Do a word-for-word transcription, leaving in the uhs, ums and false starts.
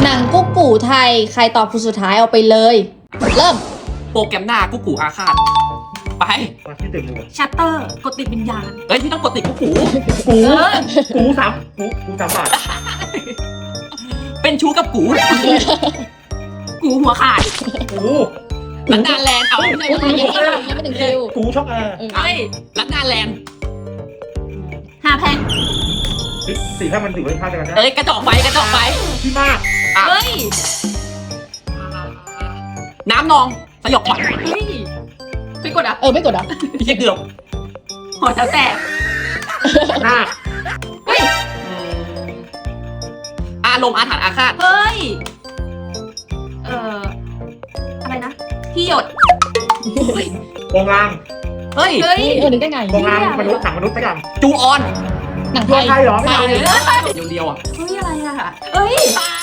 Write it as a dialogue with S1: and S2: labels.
S1: นังกุ๊กกูไทยใครตอบคนสุดท้ายเอาไปเลย เริ่ม
S2: โปรแกรมหน้ากุ๊กกูอาฆาตไป
S3: มาที่ตึกเลย
S4: ชัตเตอร์กดติดวิญญาณ
S2: เฮ้ยพี่ต้องกดติดกุ๊กกู
S3: กู
S4: เออ
S3: กูสามกูกูสามบาท
S2: เป็นชู้กับกู
S4: กูหัวขาด
S3: กู
S2: ลัดดาแลนด์เอาไม่ใช่
S1: ยัง
S2: ไม่
S1: ไม่
S2: ใช่
S1: ยังไม่ถึงคิว
S3: กูช็อกแอร์
S1: เออ
S2: เฮ้ยลัดดาแลนด์
S4: ห้าแพง
S3: สี่ถ้ามันอยู่ในท่าเดียวกันนะ
S2: เอ้ยกระจอกไฟกระจอกไฟ
S3: พี่มาก
S2: อ่ะ
S4: เฮ้ย
S2: น้ำนองสยบขวัญ
S4: เฮ้ยไปกดอ่ะ
S1: เออไม่กดอ่ะ
S2: เรียกเดือบ
S4: หัวแถวแตก
S3: หน้า
S4: เฮ้ย
S2: อารมณ์อาถรรพ์อาฆาต
S4: เฮ้ยเอ่ออะไรนะที่หยด
S3: โปงลาง
S2: เฮ้ย
S4: เฮ้ย
S1: เออนึกได้ไง
S3: โปงลางมนุษย์หนังมนุษย์สักอย่าง
S2: จูออน
S1: หนังไท
S3: ตัวย ไทยเหรอไม่
S1: ไท
S3: ใช่
S1: ยเลย
S2: เดียวๆอ่ะ
S4: เฮ้ยอะไรอ่ะเฮ้ย
S2: ตาย